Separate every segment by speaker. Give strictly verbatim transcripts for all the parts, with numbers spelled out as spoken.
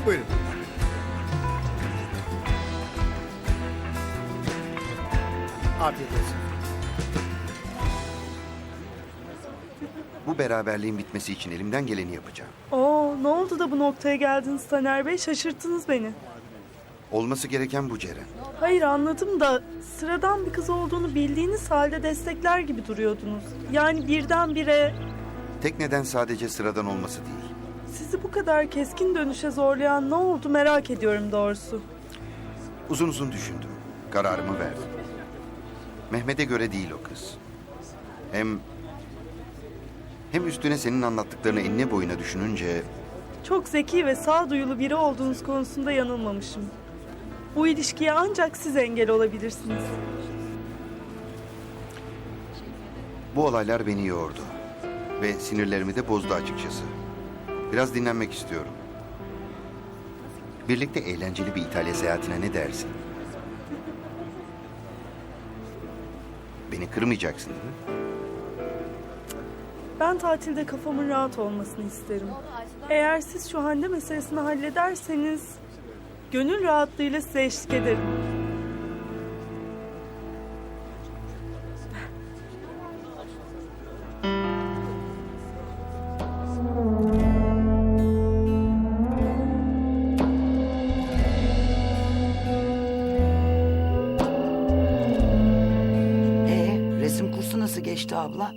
Speaker 1: Buyurun. Afiyet olsun.
Speaker 2: Bu beraberliğin bitmesi için elimden geleni yapacağım.
Speaker 3: Oo, ne oldu da bu noktaya geldiniz Taner Bey? Şaşırttınız beni.
Speaker 2: Olması gereken bu Ceren.
Speaker 3: Hayır anladım da sıradan bir kız olduğunu bildiğiniz halde destekler gibi duruyordunuz. Yani birdenbire
Speaker 2: Tek neden sadece sıradan olması değil.
Speaker 3: sizi bu kadar keskin dönüşe zorlayan ne oldu merak ediyorum doğrusu.
Speaker 2: Uzun uzun düşündüm. Kararımı verdim. Mehmet'e göre değil o kız. Hem... Hem üstüne senin anlattıklarını enine boyuna düşününce...
Speaker 3: Çok zeki ve sağduyulu biri olduğunuz konusunda yanılmamışım. Bu ilişkiye ancak siz engel olabilirsiniz.
Speaker 2: Bu olaylar beni yordu. Ve sinirlerimi de bozdu açıkçası. Biraz dinlenmek istiyorum. Birlikte eğlenceli bir İtalya seyahatine ne dersin? Beni kırmayacaksın değil mi?
Speaker 3: Ben tatilde kafamın rahat olmasını isterim. Eğer siz şu Hande meselesini hallederseniz... gönül rahatlığıyla size eşlik ederim.
Speaker 4: Ee, resim kursu nasıl geçti abla?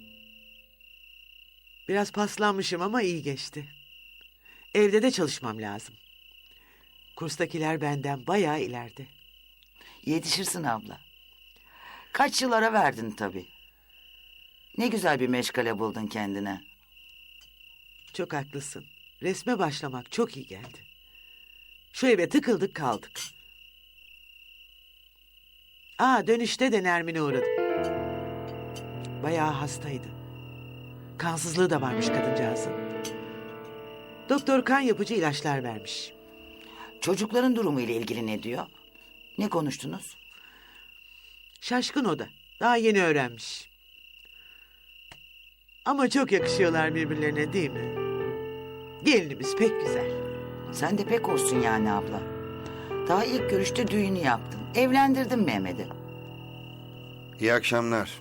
Speaker 5: Biraz paslanmışım ama iyi geçti. Evde de çalışmam lazım. Kurstakiler benden bayağı ileride.
Speaker 4: Yetişirsin abla. Kaç yıl ara verdin tabii. Ne güzel bir meşgale buldun kendine.
Speaker 5: Çok haklısın. Resme başlamak çok iyi geldi. Şu eve tıkıldık kaldık. Aa, dönüşte de Nermin'e uğradım. Bayağı hastaydı. Kansızlığı da varmış kadıncağızın. Doktor kan yapıcı ilaçlar vermiş.
Speaker 4: Çocukların durumu ile ilgili ne diyor? Ne konuştunuz?
Speaker 5: Şaşkın o da. Daha yeni öğrenmiş. Ama çok yakışıyorlar birbirlerine değil mi? Gelinimiz pek güzel.
Speaker 4: Sen de pek olsun yani abla. Daha ilk görüşte düğünü yaptın. Evlendirdin Mehmet'i.
Speaker 2: İyi akşamlar.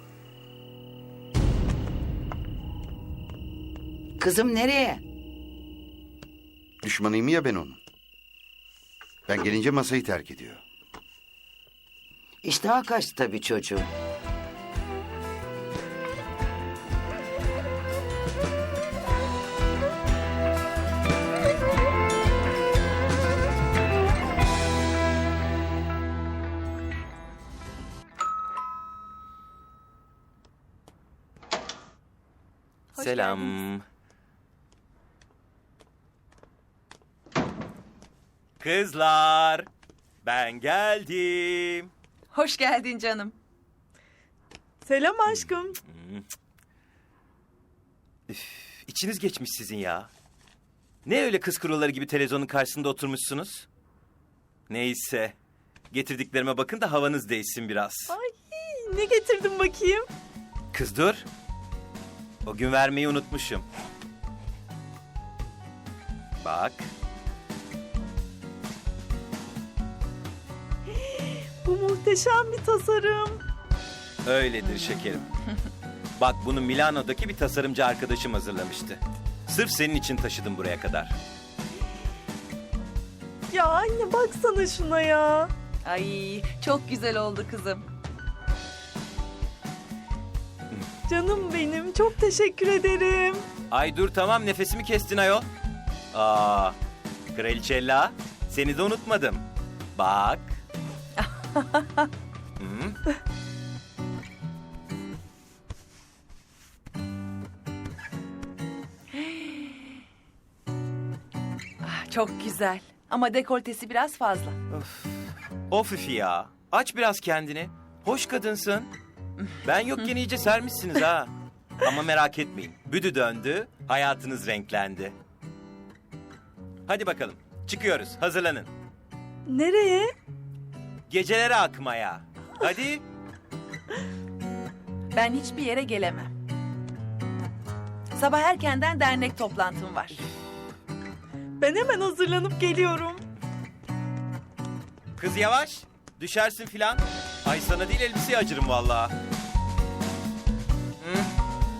Speaker 4: Kızım nereye?
Speaker 2: Düşmanıyım ya ben onun. Ben gelince masayı terk ediyor.
Speaker 4: İştaha kaçtı tabii çocuğun.
Speaker 6: Selam. Kızlar, ben geldim.
Speaker 7: Hoş geldin canım.
Speaker 3: Selam aşkım.
Speaker 6: İçiniz geçmiş sizin ya. Ne öyle kız kuruları gibi televizyonun karşısında oturmuşsunuz? Neyse, getirdiklerime bakın da havanız değişsin biraz.
Speaker 3: Ay, ne getirdin bakayım?
Speaker 6: Kız dur. O gün vermeyi unutmuşum. Bak.
Speaker 3: Bu muhteşem bir tasarım.
Speaker 6: Öyledir şekerim. Bak bunu Milano'daki bir tasarımcı arkadaşım hazırlamıştı. Sırf senin için taşıdım buraya kadar.
Speaker 3: Ya anne baksana şuna ya.
Speaker 7: Ay çok güzel oldu kızım.
Speaker 3: Canım benim çok teşekkür ederim.
Speaker 6: Ay dur tamam nefesimi kestin ayol. Aa, Kraliçella seni de unutmadım. Bak. Hı?
Speaker 7: Ah, çok güzel. Ama dekoltesi biraz fazla.
Speaker 6: Of üf ya. Aç biraz kendini. Hoş kadınsın. Ben yokken iyice sermişsiniz ha. Ama merak etmeyin. Büdü döndü, hayatınız renklendi. Hadi bakalım. Çıkıyoruz. Hazırlanın.
Speaker 3: Nereye?
Speaker 6: Gecelere akmaya. Hadi.
Speaker 7: Ben hiçbir yere gelemem. Sabah erkenden dernek toplantım var.
Speaker 3: Ben hemen hazırlanıp geliyorum.
Speaker 6: Kız yavaş. Düşersin filan. Ay sana değil elbiseye acırım vallahi. Hı?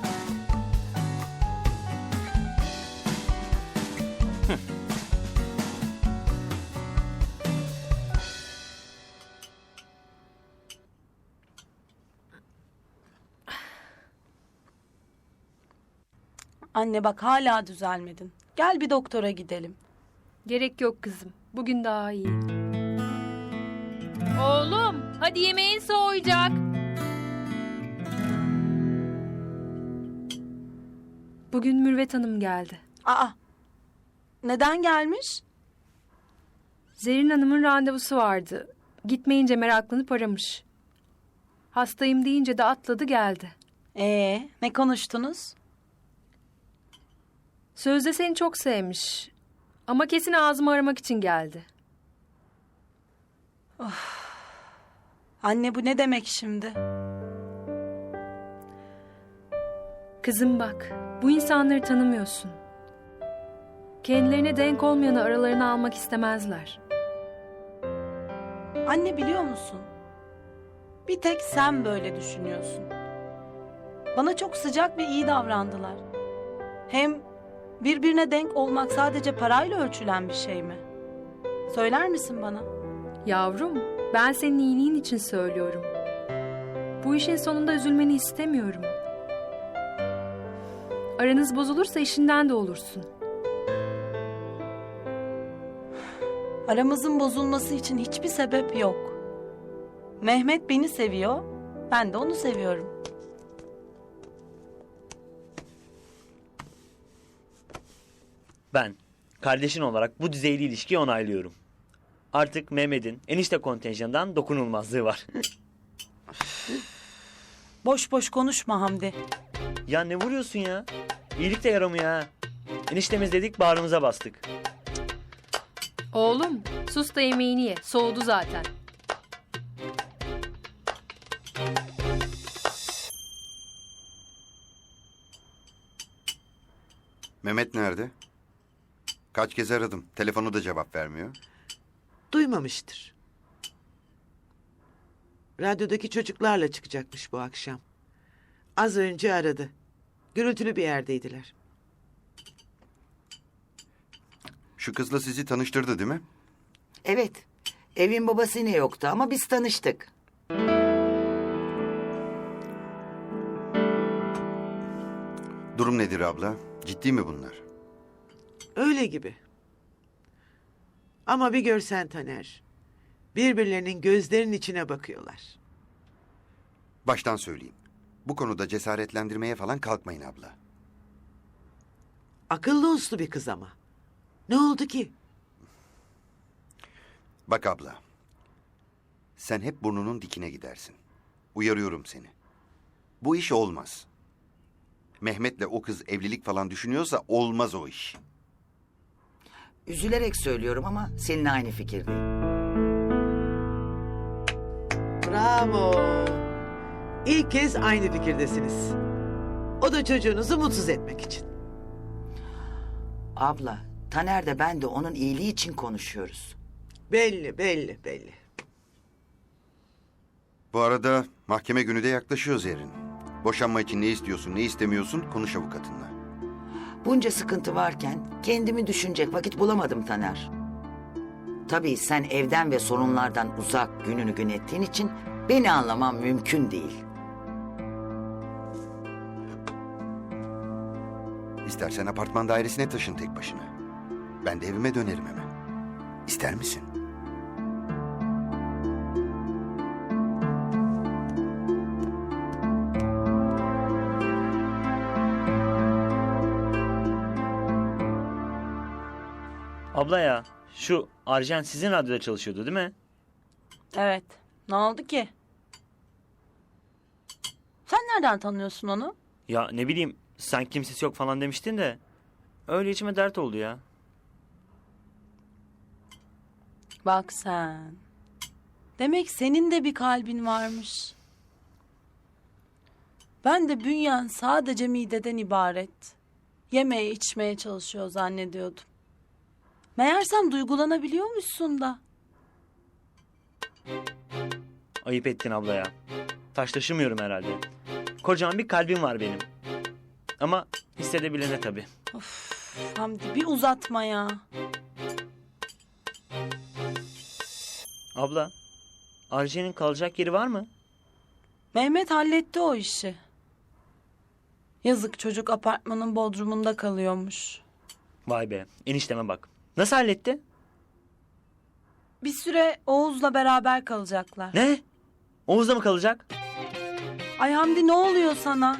Speaker 8: Anne bak hala düzelmedin. Gel bir doktora gidelim.
Speaker 9: Gerek yok kızım. Bugün daha iyi. Oğlum, hadi yemeğin soğuyacak. Bugün Mürvet Hanım geldi.
Speaker 8: Aa, neden gelmiş?
Speaker 9: Zerrin Hanım'ın randevusu vardı. Gitmeyince meraklanıp aramış. Hastayım deyince de atladı geldi.
Speaker 8: Ee, ne konuştunuz?
Speaker 9: Sözde seni çok sevmiş. Ama kesin ağzımı aramak için geldi.
Speaker 8: Anne bu ne demek şimdi?
Speaker 9: Kızım bak, bu insanları tanımıyorsun. Kendilerine denk olmayanı aralarına almak istemezler.
Speaker 8: Anne biliyor musun? Bir tek sen böyle düşünüyorsun. Bana çok sıcak ve iyi davrandılar. Hem birbirine denk olmak sadece parayla ölçülen bir şey mi? Söyler misin bana?
Speaker 9: Yavrum, ben senin iyiliğin için söylüyorum. Bu işin sonunda üzülmeni istemiyorum. Aranız bozulursa işinden de olursun.
Speaker 8: Aramızın bozulması için hiçbir sebep yok. Mehmet beni seviyor, ben de onu seviyorum.
Speaker 10: Ben, kardeşin olarak bu düzeyli ilişkiyi onaylıyorum. Artık Mehmet'in enişte kontenjanından dokunulmazlığı var.
Speaker 8: Boş boş konuşma Hamdi.
Speaker 10: Ya ne vuruyorsun ya? İyilik de yaramıyor ha. Eniştemiz dedik bağrımıza bastık.
Speaker 9: Oğlum, sus da yemeğini ye. Soğudu zaten.
Speaker 2: Mehmet nerede? Kaç kez aradım. Telefonu da cevap vermiyor.
Speaker 5: Duymamıştır. Radyodaki çocuklarla çıkacakmış bu akşam. Az önce aradı. Gürültülü bir yerdeydiler.
Speaker 2: Şu kızla sizi tanıştırdı değil mi?
Speaker 4: Evet. Evin babası yine yoktu ama biz tanıştık.
Speaker 2: Durum nedir abla? Ciddi mi bunlar?
Speaker 5: Öyle gibi. Ama bir görsen Taner. Birbirlerinin gözlerinin içine bakıyorlar.
Speaker 2: Baştan söyleyeyim. Bu konuda cesaretlendirmeye falan kalkmayın abla.
Speaker 5: Akıllı uslu bir kız ama. Ne oldu ki?
Speaker 2: Bak abla. Sen hep burnunun dikine gidersin. Uyarıyorum seni. Bu iş olmaz. Mehmet'le o kız evlilik falan düşünüyorsa olmaz o iş.
Speaker 4: Üzülerek söylüyorum ama seninle aynı fikirdeyim.
Speaker 5: Bravo. İlk kez aynı fikirdesiniz. O da çocuğunuzu mutsuz etmek için.
Speaker 4: Abla, Taner de ben de onun iyiliği için konuşuyoruz.
Speaker 5: Belli, belli, belli.
Speaker 2: Bu arada mahkeme günü de yaklaşıyor Zerrin. Boşanma için ne istiyorsun, ne istemiyorsun konuş avukatınla.
Speaker 4: Bunca sıkıntı varken kendimi düşünecek vakit bulamadım Taner. Tabii sen evden ve sorunlardan uzak gününü gün ettiğin için beni anlamam mümkün değil.
Speaker 2: İstersen apartman dairesine taşın tek başına. Ben de evime dönerim hemen. İster misin?
Speaker 10: Abla ya, şu Arjen sizin radyoda çalışıyordu değil mi?
Speaker 8: Evet. Ne oldu ki? Sen nereden tanıyorsun onu?
Speaker 10: Ya ne bileyim, sen kimsesi yok falan demiştin de. Öyle içime dert oldu ya.
Speaker 8: Bak sen. Demek senin de bir kalbin varmış. Ben de bünyen sadece mideden ibaret. Yemeye içmeye çalışıyor zannediyordum. Meğersem duygulanabiliyormuşsun da.
Speaker 10: Ayıp ettin abla ya. Taş taşımıyorum herhalde. Kocaman bir kalbim var benim. Ama hissedebilene tabii.
Speaker 8: Of Hamdi bir uzatma ya.
Speaker 10: Abla, Arjen'in kalacak yeri var mı?
Speaker 8: Mehmet halletti o işi. Yazık çocuk apartmanın bodrumunda kalıyormuş.
Speaker 10: Vay be, enişteme bak. Nasıl halletti?
Speaker 8: Bir süre Oğuz'la beraber kalacaklar.
Speaker 10: Ne? Oğuz'da mı kalacak?
Speaker 8: Ay Hamdi ne oluyor sana?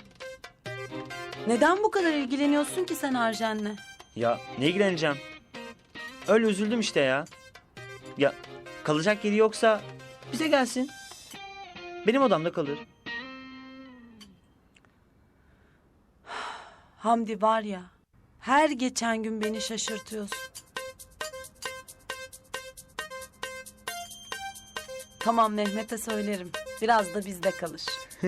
Speaker 8: Neden bu kadar ilgileniyorsun ki sen Arjen'le?
Speaker 10: Ya ne ilgileneceğim? Öyle üzüldüm işte ya. Ya kalacak yeri yoksa bize gelsin. Benim odamda kalır.
Speaker 8: Hamdi var ya, her geçen gün beni şaşırtıyorsun. Tamam Mehmet'e söylerim. Biraz da bizde kalır.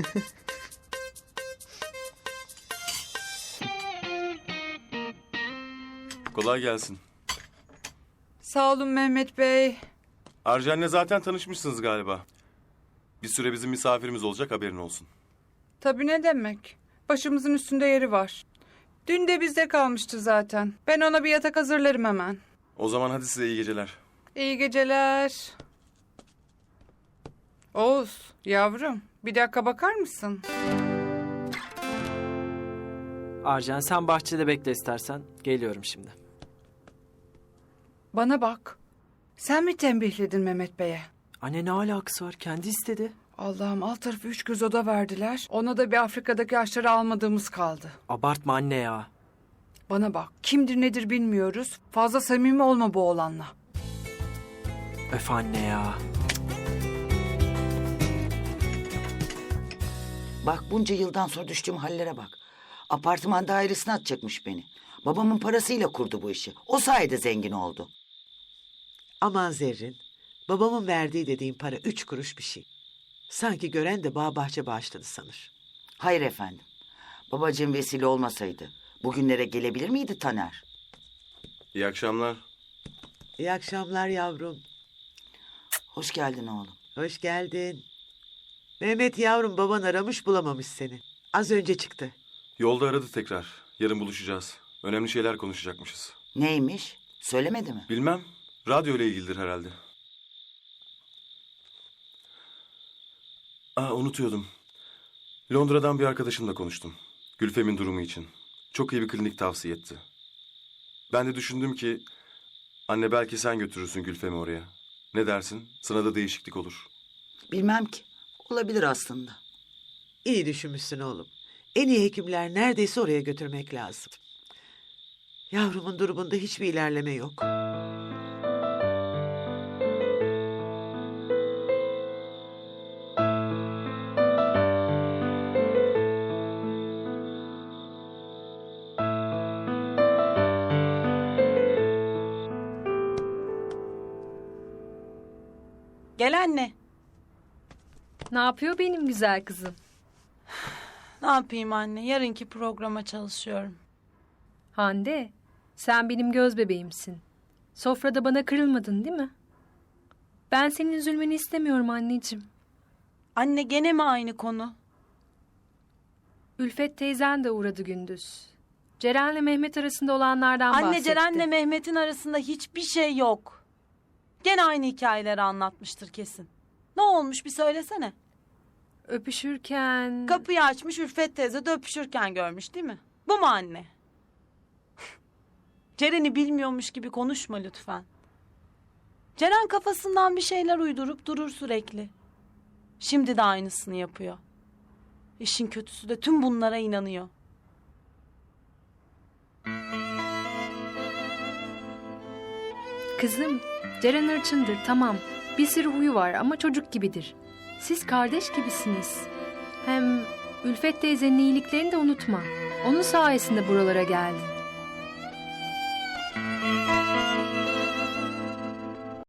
Speaker 11: Kolay gelsin.
Speaker 12: Sağ olun Mehmet Bey.
Speaker 11: Arjen'le zaten tanışmışsınız galiba. Bir süre bizim misafirimiz olacak, haberin olsun.
Speaker 12: Tabii ne demek. Başımızın üstünde yeri var. Dün de bizde kalmıştı zaten. Ben ona bir yatak hazırlarım hemen.
Speaker 11: O zaman hadi size iyi geceler.
Speaker 12: İyi geceler. Oğuz, yavrum bir dakika bakar mısın?
Speaker 1: Arjen sen bahçede bekle istersen. Geliyorum şimdi.
Speaker 12: Bana bak. Sen mi tembihledin Mehmet Bey'e?
Speaker 1: Anne ne alakası var? Kendi istedi.
Speaker 12: Allah'ım alt tarafı üç göz oda verdiler. Ona da bir Afrika'daki ağaçları almadığımız kaldı.
Speaker 1: Abartma anne ya.
Speaker 12: Bana bak. Kimdir nedir bilmiyoruz. Fazla samimi olma bu oğlanla.
Speaker 1: Öf anne ya.
Speaker 4: Bak bunca yıldan sonra düştüğüm hallere bak. Apartman dairesine atacakmış beni. Babamın parasıyla kurdu bu işi. O sayede zengin oldu.
Speaker 5: Aman Zerrin, babamın verdiği dediğin para üç kuruş bir şey. Sanki gören de bağ bahçe bağışladı sanır.
Speaker 4: Hayır efendim. Babacığım vesile olmasaydı bugünlere gelebilir miydi Taner?
Speaker 11: İyi akşamlar.
Speaker 5: İyi akşamlar yavrum.
Speaker 4: Hoş geldin oğlum.
Speaker 5: Hoş geldin. Mehmet yavrum baban aramış bulamamış seni. Az önce çıktı.
Speaker 11: Yolda aradı tekrar. Yarın buluşacağız. Önemli şeyler konuşacakmışız.
Speaker 4: Neymiş? Söylemedi mi?
Speaker 11: Bilmem. Radyo ile ilgilidir herhalde. Aa, unutuyordum. Londra'dan bir arkadaşımla konuştum. Gülfem'in durumu için. Çok iyi bir klinik tavsiye etti. Ben de düşündüm ki... Anne belki sen götürürsün Gülfem'i oraya. Ne dersin? Sana da değişiklik olur.
Speaker 4: Bilmem ki. Olabilir aslında.
Speaker 5: İyi düşünmüşsün oğlum. En iyi hekimler neredeyse oraya götürmek lazım. Yavrumun durumunda hiçbir ilerleme yok.
Speaker 8: Gel anne.
Speaker 9: Ne yapıyor benim güzel kızım?
Speaker 8: Ne yapayım anne? Yarınki programa çalışıyorum.
Speaker 9: Hande, sen benim göz bebeğimsin. Sofrada bana kırılmadın değil mi? Ben senin üzülmeni istemiyorum anneciğim.
Speaker 8: Anne gene mi aynı konu?
Speaker 9: Ülfet teyzen de uğradı gündüz. Ceren'le Mehmet arasında olanlardan bahsetti.
Speaker 8: Anne Ceren'le Mehmet'in arasında hiçbir şey yok. Gene aynı hikayeleri anlatmıştır kesin. Ne olmuş bir söylesene.
Speaker 9: Öpüşürken...
Speaker 8: Kapıyı açmış Ülfet teyze de öpüşürken görmüş değil mi? Bu mu anne? Ceren'i bilmiyormuş gibi konuşma lütfen. Ceren kafasından bir şeyler uydurup durur sürekli. Şimdi de aynısını yapıyor. İşin kötüsü de tüm bunlara inanıyor.
Speaker 9: Kızım, Ceren hırçındır tamam. Bir sürü huyu var ama çocuk gibidir. Siz kardeş gibisiniz. Hem Ülfet teyzenin iyiliklerini de unutma. Onun sayesinde buralara geldin.